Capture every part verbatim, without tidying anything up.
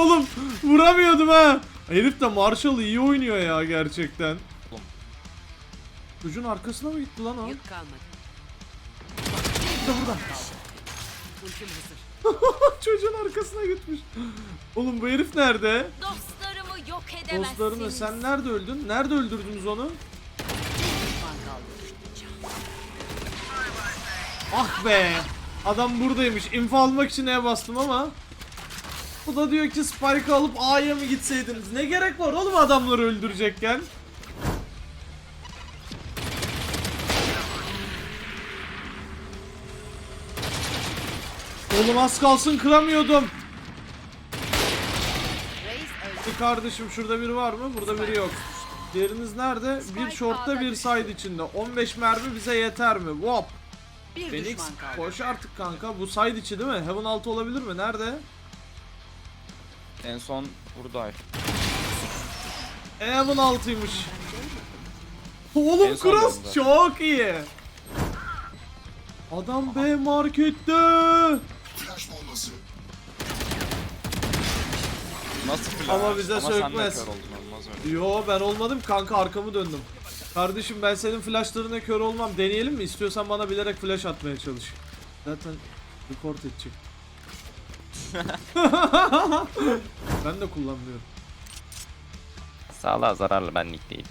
Oğlum vuramıyordum ha. Herif de Marshall iyi oynuyor ya gerçekten. Çocuğun arkasına mı gitti lan o? Yük kalmadı. Burada burada. Ultim hazır. Çocuğun arkasına gitmiş. Oğlum bu herif nerede? Dostlarımı yok edemezsiniz. Dostlarını sen nerede öldün? Nerede öldürdünüz onu? Düşman kaldı. Ah be. Adam buradaymış. İnfo almak için E'ye bastım ama. Bu da diyor ki Spike'ı alıp A'ya mı gitseydiniz? Ne gerek var oğlum adamları öldürecekken? Oğlum az kalsın kıramıyordum. Reis öldü. Bir kardeşim şurada biri var mı? Burada biri yok. Diğeriniz nerede? Bir shortta bir side içinde. on beş mermi bize yeter mi? Wop. Bir Phoenix düşman kaldı. koş artık kanka. Bu side içi değil mi? Heaven altı olabilir mi? Nerede? En son buradaydı. Heaven altıymış. En Oğlum son cross bende. çok iyi. Adam B markette. Nasıl flash? Ama bize sen de sökmez. kör oldun, olmaz öyle. Yo ben olmadım kanka, arkamı döndüm. Kardeşim ben senin flashlarına kör olmam. Deneyelim mi? İstiyorsan bana bilerek flash atmaya çalış. Zaten report edecek. Ben de kullanmıyorum. Sağlığa zararlı benlik değil.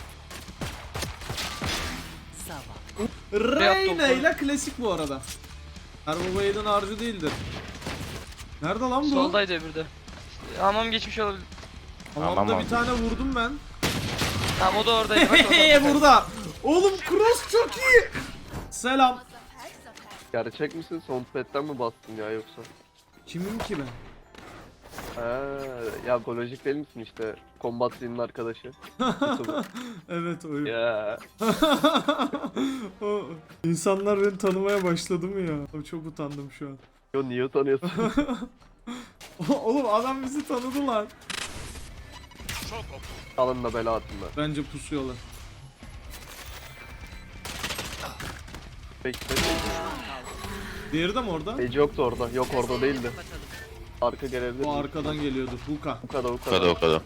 Sava. Reyna ile klasik bu arada. Her baba yiğidin harcı değildir. Nerede lan bu? Soldaydı öbürü de. Hamam geçmiş olabilir. Hamamda Hamam bir tane vurdum ben. Tamam o da oradaydı. Bak orada. Hehehe burada. Oğlum cross çok iyi. Selam. Gerçek misin? Soundpad'den mi bastın ya yoksa? Kimim ki ben? Ha, ya Golojik değil misin işte? Combat Zin'in arkadaşı. YouTuber. Evet oyun. Ya. O- İnsanlar beni tanımaya başladı mı ya? Abi çok utandım şu an. Yo niye utanıyorsun? Oğlum adam bizi tanıdı lan. Alın da bela atın da. Bence pusuyorlar. Bekle. Diğeri de mi orada? Ece yoktu orada. Yok orada değildi. Arka gelebilir. O arkadan geliyordu. Huka. Bu kadar bu O kadar kadar. o kadar.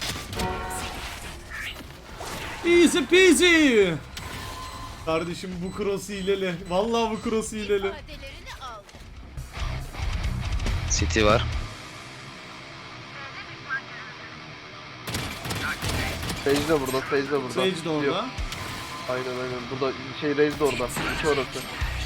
Easy peasy. Kardeşim bu cross hileli. Vallahi bu cross hileli. İfadelerini al. City var. Sage de burada. Sage de burada. Sage de orada. Yok. Aynen aynen. Burada şey Raze de orada. İki orası.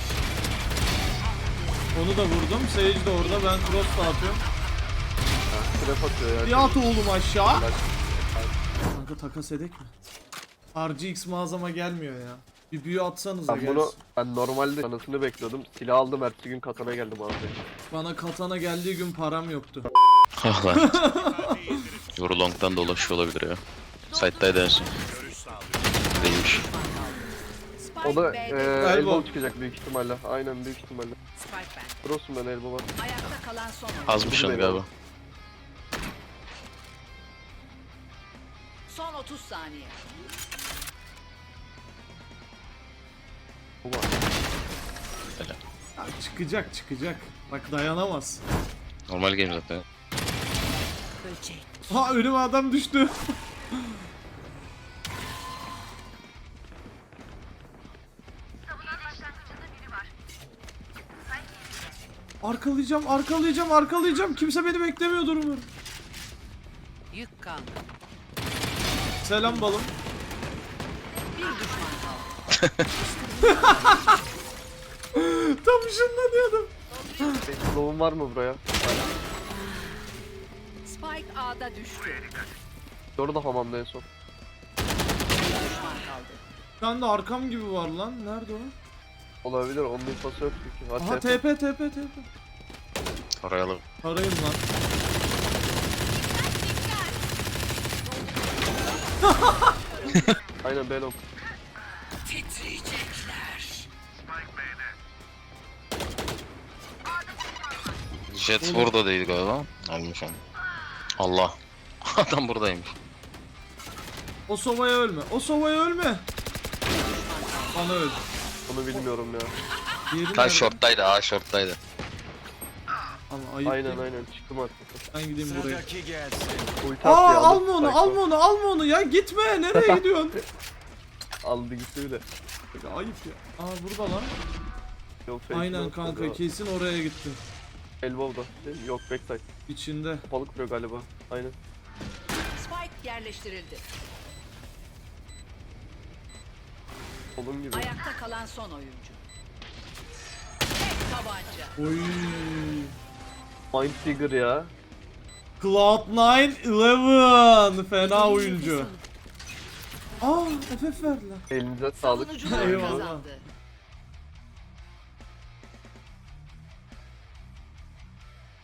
Onu da vurdum. Sage de orada. Ben cross dağıtıyorum. Trap atıyor ya. Bir at oğlum aşağı. Flash. Kanka takas edek mi? R G X mağazama gelmiyor ya. Bir büyü atsanıza Ben gelsin. bunu ben normalde anasını bekliyordum. Silah aldım ertesi gün katana geldim abi. Bana katana geldiği gün param yoktu. Ah lan. Yoru long'dan dolaşıyor olabilir ya. Side'daydı en son. Değilmiş. Spike O da B'de. eee Elbow. elbow çıkacak büyük ihtimalle. Aynen büyük ihtimalle. Spike ben. Cross'um ben elbow var. Ayakta kalan son oyun. Azmış onu galiba. Son otuz saniye. Bu var. Ya çıkacak çıkacak. Bak dayanamaz. Normal game zaten. Böcek. Ha önüme adam düştü. Arkalayacağım, arkalayacağım, arkalayacağım. Kimse beni beklemiyordur umarım. Yük kaldı. Selam balım. Bir düşman kaldı. Tam ışınlanıyordum. Slow'un var mı buraya? Spike A'da düştü. Orada hamamda en son. Bir düşman kaldı. Bir tane de arkam gibi var lan. Nerede o? Olabilir onun infosu yok çünkü. Aha Aha, T P T P T P. Arayalım. Arayın lan. Aynen Belok. Jet burada değil galiba. Almış onu. Allah. Adam buradaymış. O sovaya ölme. O sovaya ölme. Bana öl. Onu bilmiyorum ya. Diğeri Ta nerede? short'taydı, A short'taydı. Ama ayıp Aynen değil. aynen çıktım artık. Ben gideyim buraya. Ulti attı Aa ya, alma onu, Spike'ı. alma onu, alma onu ya. Gitme. Nereye gidiyorsun? Aldı gitti bile. Ya, ayıp ya. Aa burada lan. Yok, fake Aynen yok, kanka yok. kesin oraya gitti. Elbow'da. Değil mi? Yok backside. İçinde. Balık vuruyor galiba. Aynen. Spike yerleştirildi. Onun gibi. Ayakta kalan son oyuncu. Tek tabanca. Oy. Mind Trigger ya. Cloud nine eleven. Fena oyuncu. Aa F F verdiler. Elinize sağlık. Savunucular Eyvallah. kazandı.